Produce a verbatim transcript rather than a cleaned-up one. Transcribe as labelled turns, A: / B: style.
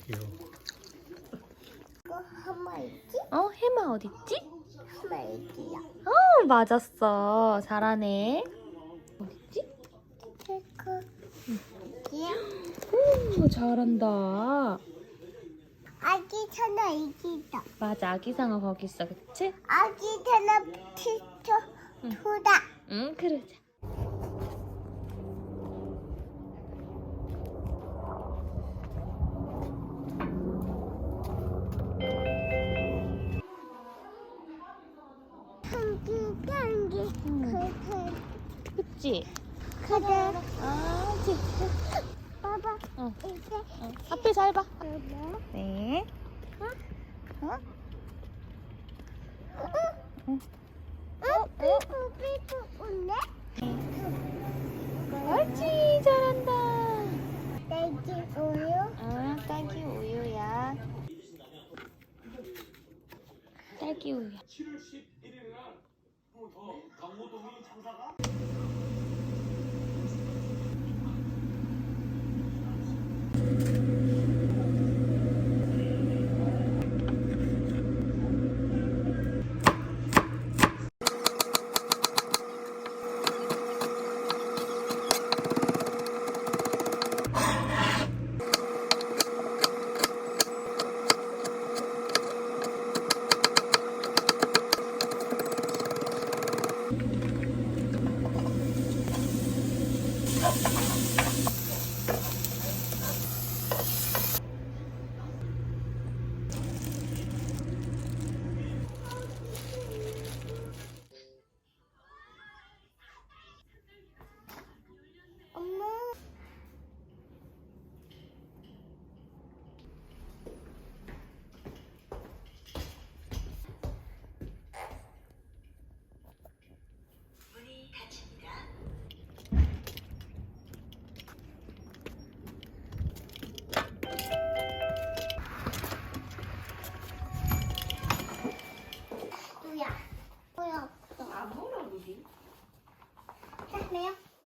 A: 귀여워.
B: 이거 하마 있지?
C: 어, 해마 어딨지?
B: 하마 있지야.
C: 어, 맞았어. 잘하네. 어딨지?
B: 체크. 이야.
C: 오, 잘한다.
B: 아기 천아 이기다.
C: 맞아, 아기상어 거기 있어, 그치?
B: 아기 천아 피쳐 투다.
C: 응, 그러자.
B: 향기 향기 그그
C: 그치?
B: 그래.
C: 아, 그치.
B: 봐봐.
C: 어.
B: 이제
C: 어. 앞에 잘 봐.
B: 봐봐.
C: 네. 어? 어? 응.
B: 어? 삐뿌 삐뿌 웃네?
C: 옳지, 잘한다.
B: 딸기 우유.
C: 아, 딸기 우유야. 딸기 우유야.
A: 칠월 십일일 날 더 강호동이 장사가
B: 엄마. 누야. 뭐야?
D: 안 먹으라고 그러지?
B: 자, 매요.